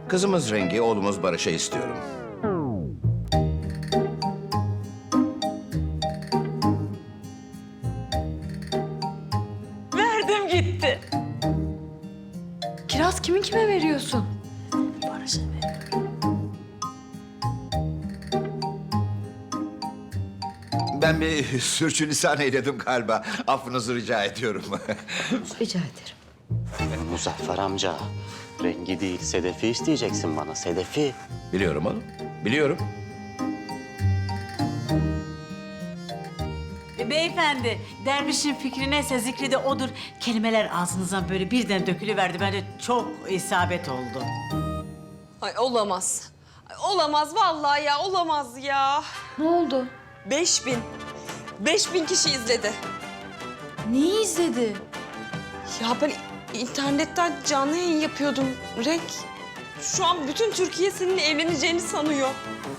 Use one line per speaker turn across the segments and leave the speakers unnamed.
Kızımız Rengi, oğlumuz Barış'a istiyorum.
Verdim gitti.
Kiraz kimin kime veriyorsun?
Barış'a veriyorum.
Ben bir sürçülisan eyledim galiba. Affınızı rica ediyorum.
Rica ederim.
Muzaffer amca, Rengi değil Sedef'i isteyeceksin bana, Sedef'i.
Biliyorum oğlum, biliyorum.
Beyefendi, dervişin fikri neyse zikri de odur. Kelimeler ağzınızdan böyle birden dökülüverdi. Bence çok isabet oldu.
Ay olamaz. Ay, olamaz vallahi ya, olamaz ya.
Ne oldu?
5000. 5000 kişi izledi.
Neyi izledi?
Ya ben internetten canlı yayın yapıyordum Renk. Şu an bütün Türkiye seninle evleneceğini sanıyor.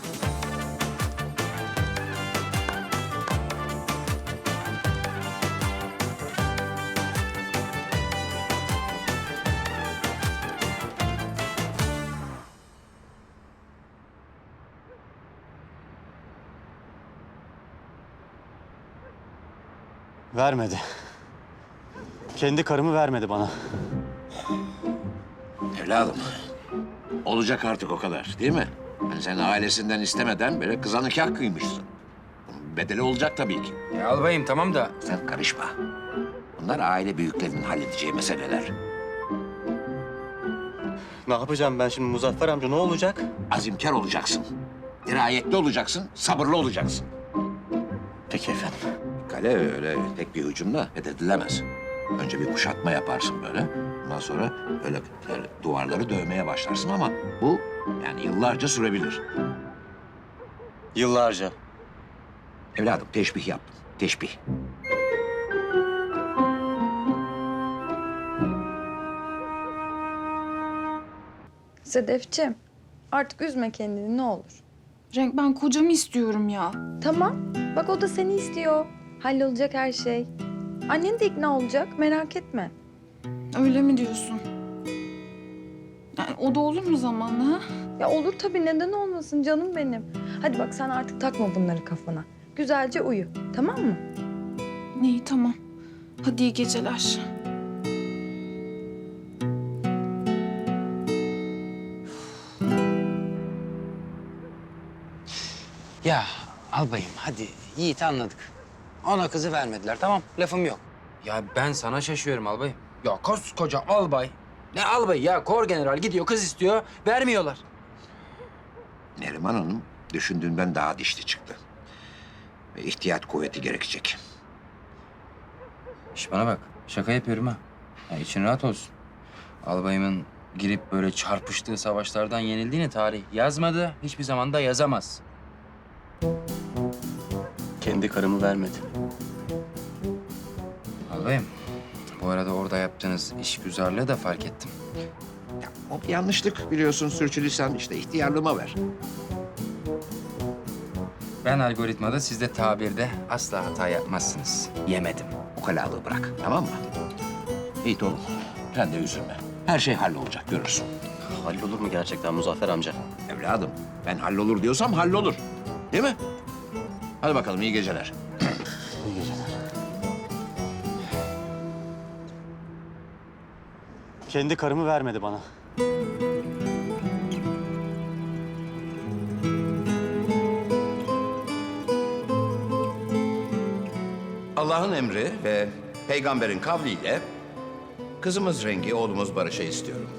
Vermedi. Kendi karımı vermedi bana.
Evladım, olacak artık o kadar değil mi? Yani sen ailesinden istemeden böyle kıza nikah kıymışsın. Bunun bedeli olacak tabii ki.
Ya albayım tamam da
Sen karışma. Bunlar aile büyüklerinin halledeceği meseleler.
Ne yapacağım ben şimdi Muzaffer amca, ne olacak?
Azimkar olacaksın. Dirayetli olacaksın, sabırlı olacaksın.
Peki efendim.
Kale öyle tek bir hücumla fethedilemez. Önce bir kuşatma yaparsın böyle. Ondan sonra öyle duvarları dövmeye başlarsın ama bu yani yıllarca sürebilir.
Yıllarca.
Evladım teşbih yaptım, teşbih.
Sedefciğim, artık üzme kendini ne olur.
Renk ben kocamı istiyorum ya.
Tamam, bak o da seni istiyor. Hallolacak her şey. Annen de ikna olacak, merak etme.
Öyle mi diyorsun? Yani o da olur mu zamanla ha?
Ya olur tabii, neden olmasın canım benim. Hadi bak sen artık takma bunları kafana. Güzelce uyu, tamam mı?
İyi tamam. Hadi iyi geceler.
ya albayım hadi Yiğit anladık. Ona kızı vermediler tamam lafım yok. Ya ben sana şaşıyorum albayım. Ya koskoca albay. Ne albay ya kor general gidiyor kız istiyor vermiyorlar.
Neriman Hanım düşündüğünden daha dişli çıktı. Ve ihtiyat kuvveti gerekecek.
İş bana bak şaka yapıyorum ha. Ya için rahat olsun. Albayımın girip böyle çarpıştığı savaşlardan yenildiğini tarih yazmadı. Hiçbir zaman da yazamaz.
Kendi karımı vermedi.
Albayım bu arada orada yaptığınız işgüzarlığı da fark ettim.
Ya, o bir yanlışlık biliyorsun sürçülisan işte ihtiyarlığıma ver.
Ben algoritmada siz de tabirde asla hata yapmazsınız. Yemedim.
Ukalalığı bırak tamam mı? İyi oğlum sen de üzülme. Her şey hallolacak görürsün.
Hallolur mu gerçekten Muzaffer amca?
Evladım ben hallolur diyorsam hallolur. Değil mi? Hadi bakalım iyi geceler.
İyi geceler. Kendi karımı vermedi bana.
Allah'ın emri ve peygamberin kavliyle kızımız Rengi, oğlumuz Barış'a istiyorum.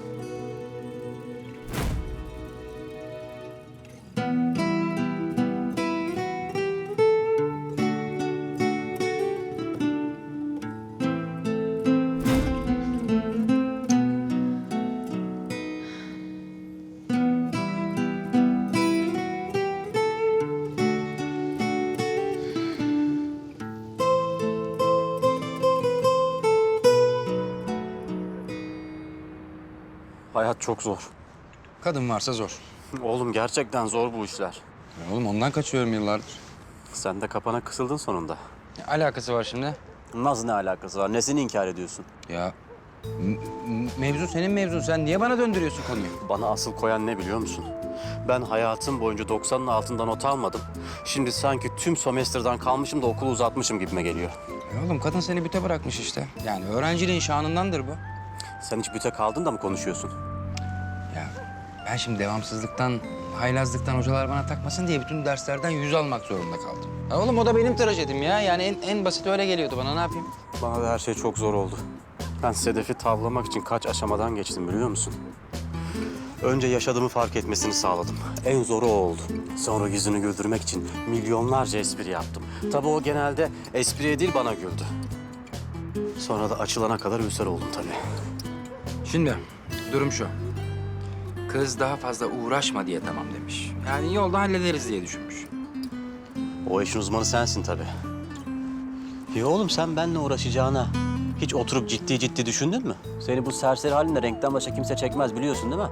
Hayat çok zor.
Kadın varsa zor.
Oğlum gerçekten zor bu işler.
Ya oğlum ondan kaçıyorum yıllardır.
Sen de kapana kısıldın sonunda.
Ne alakası var şimdi?
Nasıl ne alakası var? Nesini inkar ediyorsun?
Ya Mevzu senin mevzun. Sen niye bana döndürüyorsun konuyu?
Bana asıl koyan ne biliyor musun? Ben hayatım boyunca 90'ın altında not almadım. Şimdi sanki tüm sömestrden kalmışım da okulu uzatmışım gibime geliyor.
Oğlum kadın seni büte bırakmış işte. Yani öğrenciliğin şanındandır bu.
Sen hiç büte kaldın da mı konuşuyorsun?
Ya ben şimdi devamsızlıktan, haylazlıktan hocalar bana takmasın diye bütün derslerden 100 almak zorunda kaldım. Ya oğlum o da benim trajedim ya. Yani en basit öyle geliyordu bana. Ne yapayım?
Bana da her şey çok zor oldu. Ben Sedef'i tavlamak için kaç aşamadan geçtim biliyor musun? Önce yaşadığımı fark etmesini sağladım. En zoru o oldu. Sonra yüzünü güldürmek için milyonlarca espri yaptım. Tabii o genelde espriye değil bana güldü. Sonra da açılana kadar ülser oldum tabii.
Şimdi durum şu. Kız daha fazla uğraşma diye tamam demiş. Yani yolda hallederiz diye düşünmüş.
O işin uzmanı sensin tabii. Ya oğlum sen benimle uğraşacağına hiç oturup ciddi ciddi düşündün mü? Seni bu serseri halinle renkten başka kimse çekmez biliyorsun değil mi?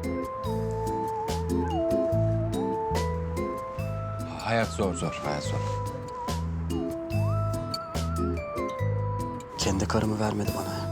Hayat zor, hayat zor.
Kendi karımı vermedi bana ya.